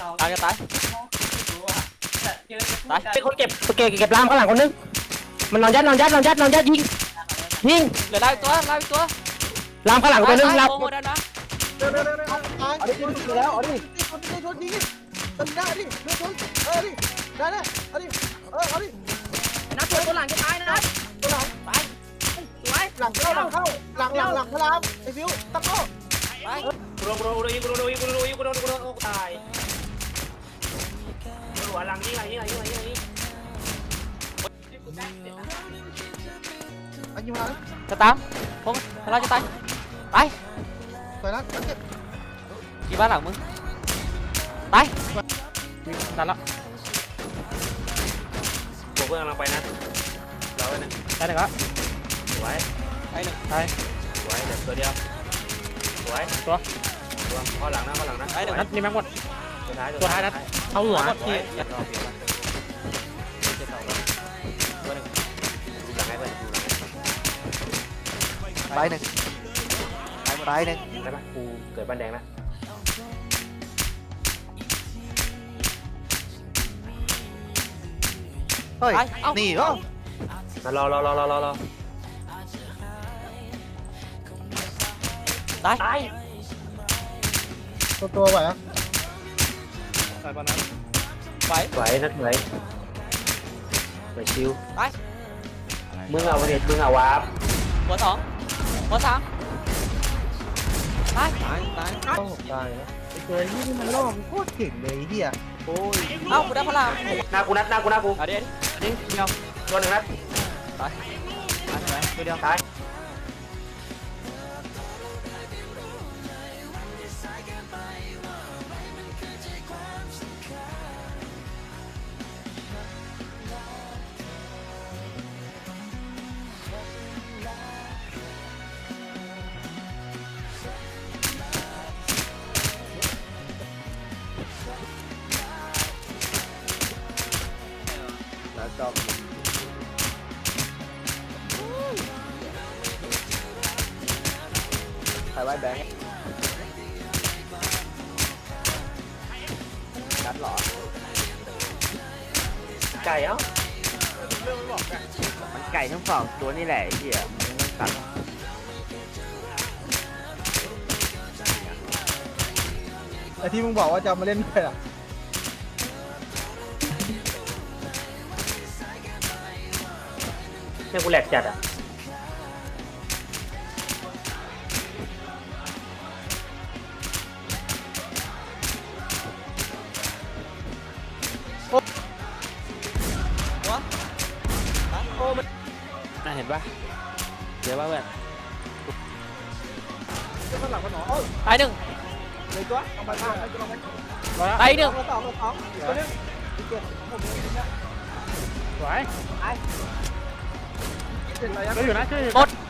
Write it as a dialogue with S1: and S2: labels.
S1: ตายจะตายตาย
S2: เป็นคนเก็บลามข้างหลังคนนึงมันนอนยัดยิง
S1: เหลือได้ตัวได้ตัว
S2: ลามข้างหลังคนนึงลาม
S1: โอ้โหได้นะ
S3: เอาดิยิงแล้วเอาดิชนยิงตึงได้ดิเลือดชนดิได้เอาดิเอาดิ
S4: นะตัวหลังจะตายนะ
S3: ตัวหลัง
S4: ตายสวย
S3: หลังเข้าหลังพลามไอ้ฟิวตั้งโล
S1: ไป
S2: กูโดนตายหัวหลังยิง
S3: อันยิงมา
S1: จะตามผมเราจะตายไป
S3: สวยนะเก็บ
S1: กี่บ้านหลังมึงตายตันละ
S2: ผมเพิ่งกำลังไปนะเราเนี่ย
S1: ได้หนึ่งละ
S2: สวย
S1: ได้หนึ่งตาย
S2: สวยเดี๋ยวตัวเดียวสวยตัวข้อหลังนะ
S1: ได้หนึ่ง
S2: นัดนี่แม็กหมดตัวท้ายนัดเอาหัวที่ตัวหนึ่งดูหลังให้เพื่อนดูหลังให้
S3: ไปหนึ่ง
S2: ได้ปะกูเกิดบ้านแดงนะ
S3: เฮ้ยนี่เหรอ
S2: รอ
S1: ตาย
S3: ตัวไหวอ่ะ
S1: ตายปะนั้นไป
S2: ไหวนัดไหวชิว
S1: ไป
S2: มึงเอาเน็ตมึงเอาวาร์ป
S1: หัวสองหัวสามตาย
S3: ต้องตายนะไอ้ตัวนี้มันล่อมันโคตรเก่งเลยเฮีย
S1: โอ้ยเอ้ากูได้พลัง
S2: หน้ากูเอา
S1: เดี๋ยวเดียว
S2: ตัวหนึ่งนัด
S1: ตายตัวเดียว
S2: ตาย
S3: แล้วจบ
S1: ใครไว้แบงค์นัดหรอ
S2: ไก่เอ้า
S1: มันไก่ทั้งสองตัวนี่แหละไอ้เหี้ยมันตัด
S3: ไอ้ที่มึงบอกว่าจะมาเล่นด้วยอ่ะ
S2: เนี่ยกูแหลกจัดอ่ะน่าเห็นปะเดี๋ยวว่าเพื่อน
S3: ข้างหลังมันหนอ
S1: ตายหนึ่ง
S3: เลยตัวเอาไปข้างให้กูลองไป
S1: ตายหนึ่ง
S3: สองตัวนึงเก็บผมเลยนะ
S2: สวย
S3: เสร็จแล้ว
S2: ช่วยอยู่นะช่วย
S1: หมด